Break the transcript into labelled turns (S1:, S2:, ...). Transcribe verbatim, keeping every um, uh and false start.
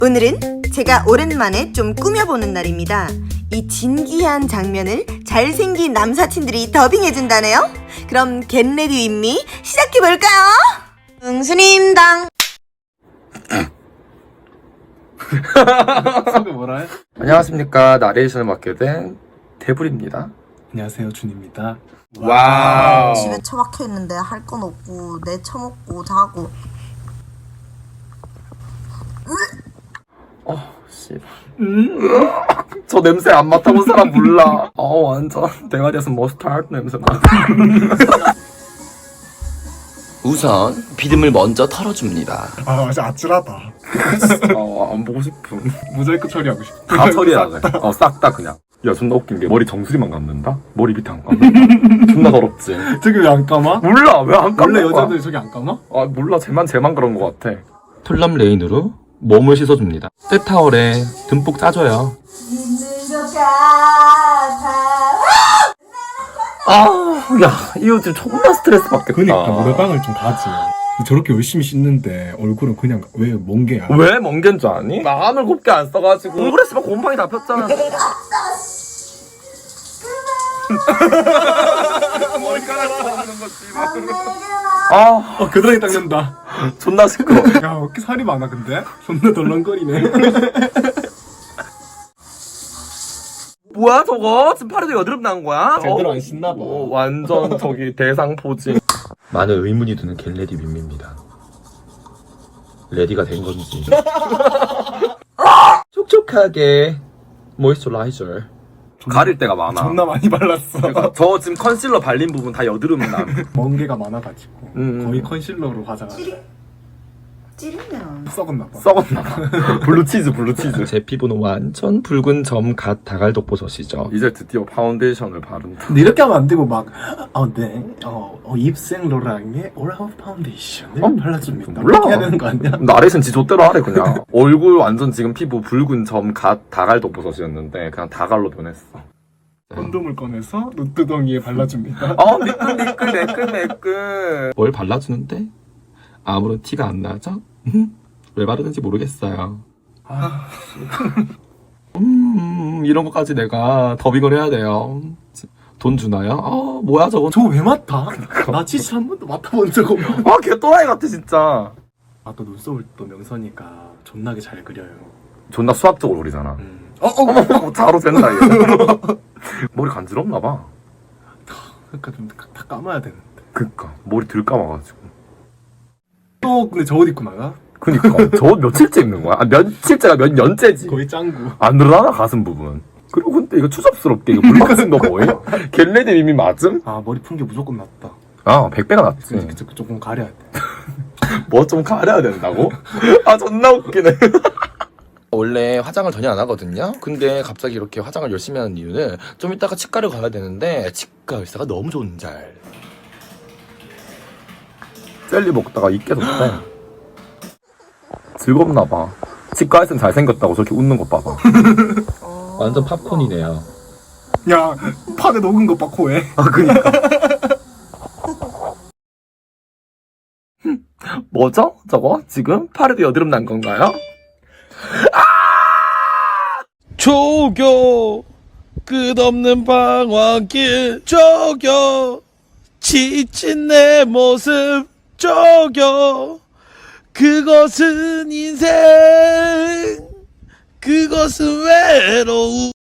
S1: 오늘은 제가 오랜만에 좀 꾸며보는 날입니다. 이 진기한 장면을 잘생긴 남사친들이 더빙해준다네요. 그럼 겟레디 윗미 시작해볼까요? 응수님당.
S2: 소개 뭐라 해?
S3: 안녕하십니까. 나레이션을 맡게 된 대불입니다.
S2: 안녕하세요, 준입니다.
S3: 와우.
S1: 집에 처박혀 있는데 할 건 없고 내 처먹고 자고.
S3: 어, 씨발. 음? 저 냄새 안 맡아본 사람 몰라. 어, 완전 대가리에서 머스타드 냄새 나. 우선 비듬을 먼저 털어줍니다.
S2: 아, 진짜 아찔하다.
S3: 어, 안 보고 싶음.
S2: 모자이크 처리하고 싶다.
S3: 다 처리해야 돼. 어, 싹 다 그냥. 야, 존나 웃긴 게 머리 정수리만 감는다? 머리 밑에 안 감는다? 존나 더럽지?
S2: 저기 왜 안 감아?
S3: 몰라, 왜 안 감는
S2: 원래
S3: 거야?
S2: 여자들 저기 안 감아?
S3: 아, 몰라. 쟤만 쟤만 그런 거 같아.
S4: 톨람 레인으로 몸을 씻어줍니다. 떼타월에 듬뿍 짜줘요.
S3: 아, 야, 이 요즘 존나 스트레스 받겠다.
S2: 그니까 노래방을 좀 가지. 저렇게 열심히 씻는데 얼굴은 그냥 왜 멍게야?
S3: 왜 멍게인 줄 아니? 마음을 곱게 안 써가지고 얼굴에 씨발 곰팡이 다 폈잖아. 머리카락 쏘는 거 씨발. 아,
S2: 어, 겨드랑이 닦는다.
S3: 존나 시끄러.
S2: 야, 왜 이렇게 살이 많아 근데? 존나 덜렁거리네.
S3: 뭐야 저거? 지금 팔에도 여드름 난 거야?
S2: 제대로
S3: 어?
S2: 안 씻나 봐.
S3: 어, 완전 저기 대상 포진.
S4: 많은 의문이 드는 겟레디 윗미입니다. 레디가 된 건지. 촉촉하게 모이스처라이저.
S3: 가릴 때가 많아.
S2: 존나 많이 발랐어.
S3: 그러니까 저 지금 컨실러 발린 부분 다 여드름 남.
S2: 멍게가 많아가지고
S3: 음.
S2: 거의 컨실러로 화장하지.
S1: 찌르면
S2: 썩었나 봐.
S3: 썩었나 봐. 블루치즈 블루치즈.
S4: 제 피부는 완전 붉은 점 갓 다갈독버섯이죠.
S3: 이제 드디어 파운데이션을 바른다.
S2: 근데 이렇게 하면 안 되고 막, 어, 네, 어, 어 입생 로랑의 오라우 파운데이션을
S3: 어,
S2: 발라줍니다.
S3: 몰라.
S2: 이렇게 해야 되는 거 아니야?
S3: 나레이션 지 좆대로 하래 그냥. 얼굴 완전 지금 피부 붉은 점 갓 다갈독버섯이었는데 그냥 다갈로 변했어.
S2: 콘돔을 꺼내서 눈두덩이에 발라줍니다.
S3: 어 미끌 미끌 매끌 매끌.
S4: 뭘 발라주는데 아무런 티가 안 나죠? 음, 왜 바르는지 모르겠어요.
S3: 아,
S4: 음, 이런 것까지 내가 더빙을 해야 돼요. 돈 주나요? 아, 뭐야 저거.
S2: 저거 왜 맡아? 나 치치 한 번도 맡아본 적 없어.
S3: 아, 걔 또라이 같아 진짜.
S2: 아, 또 눈썹을 또 명선이가 존나게 잘 그려요.
S3: 존나 수학적으로 그리잖아.
S2: 음. 어, 어,
S3: 어머 자로 된다 이거. 머리 간지럽나 봐.
S2: 그러니까 좀 다 감아야 되는데.
S3: 그니까 머리 들 감아가지고.
S2: 또 근데 저 옷 입고 나가?
S3: 그니까 저 며칠째 입는 거야? 아, 며칠째가 몇 년째지.
S2: 거의 짱구.
S3: 안 늘어나나 가슴 부분. 그리고 근데 이거 추접스럽게 이거 물 맞은 거 뭐예요? 겟레디 이미 맞음?
S2: 아, 머리 푼 게 무조건 낫다.
S3: 아, 백 배가 낫지.
S2: 그치, 그치, 조금 가려야 돼.
S3: 뭐 좀 가려야 된다고? 아, 존나 웃기네.
S4: 원래 화장을 전혀 안 하거든요. 근데 갑자기 이렇게 화장을 열심히 하는 이유는 좀 이따가 치과를 가야 되는데 치과 의사가 너무 좋은 잘.
S3: 젤리 먹다가 입 깨졌대. 즐겁나 봐. 치과에서는 잘생겼다고 저렇게 웃는 거 봐봐.
S4: 완전 팝콘이네요.
S2: 야, 판에 녹은 거 봐, 코에.
S3: 아, 그니까. 뭐죠? 저거? 지금? 팔에도 여드름 난 건가요?
S5: 조교 끝없는 방황길 조교 지친 내 모습 조교 그것은 인생 그것은 외로움